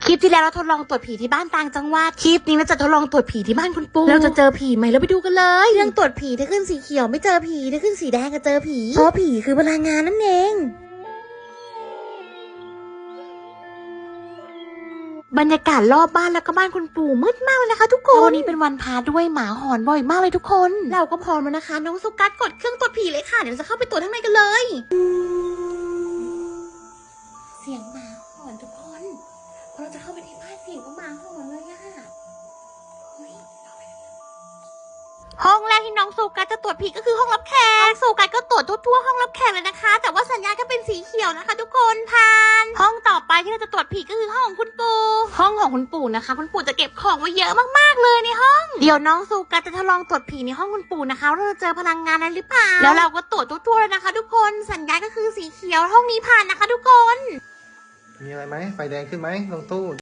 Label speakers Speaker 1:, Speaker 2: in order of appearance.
Speaker 1: คลิปที่แล้วเราทดลองตรวจผีที่บ้านต่างจังหวัดคลิปนี้เราจะทดลองตรวจผีที่บ้านคุณปู่เราจะเจอผีไหมเราไปดูกันเลยเรื่องตรวจผีถ้าขึ้นสีเขียวไม่เจอผีถ้าขึ้นสีแดงก็เจอผีเพราะผีคือพลังงานนั่นเองบรรยากาศรอบบ้านแล้วก็บ้านคุณปู่มืดมากเลยนะคะทุกคนวันนี้เป็นวันพาด้วยหมาหอนบ่อยมากเลยทุกคนเราก็พร้อมแล้วนะคะน้องสุกัสกดเครื่องตรวจผีเลยค่ะเดี๋ยวจะเข้าไปตรวจข้างในกันเลยเสียงหมาหอนทุกคนพอเราจะเข้าไปที่บ้านเสียงก็หมาหอนเลยอะห้องแรกที่น้องสุกัสจะตรวจผีก็คือห้องรับแขกสุกัสก็ตรวจทั่วห้องรับแขกเลยนะคะแต่ว่าสัญญาณก็เป็นสีเขียวนะคะทุกคนผ่านห้องต่อไปที่เราจะตรวจผีก็คือห้องของคุณปู่ห้องของคุณปู่นะคะคุณปู่จะเก็บของไว้เยอะมากๆเลยในห้องเดี๋ยวน้องสุกัสจะทดลองตรวจผีในห้องคุณปู่นะคะว่าเราจะเจอพลังงานอะไรหรือเปล่าแล้วเราก็ตรวจทั่วๆเลยนะคะทุกคนสัญญาณก็คือสีเขียวห้องนี้ผ่านนะคะทุกคน
Speaker 2: มีอะไรไหมไฟแดงขึ้นไหมลงตู้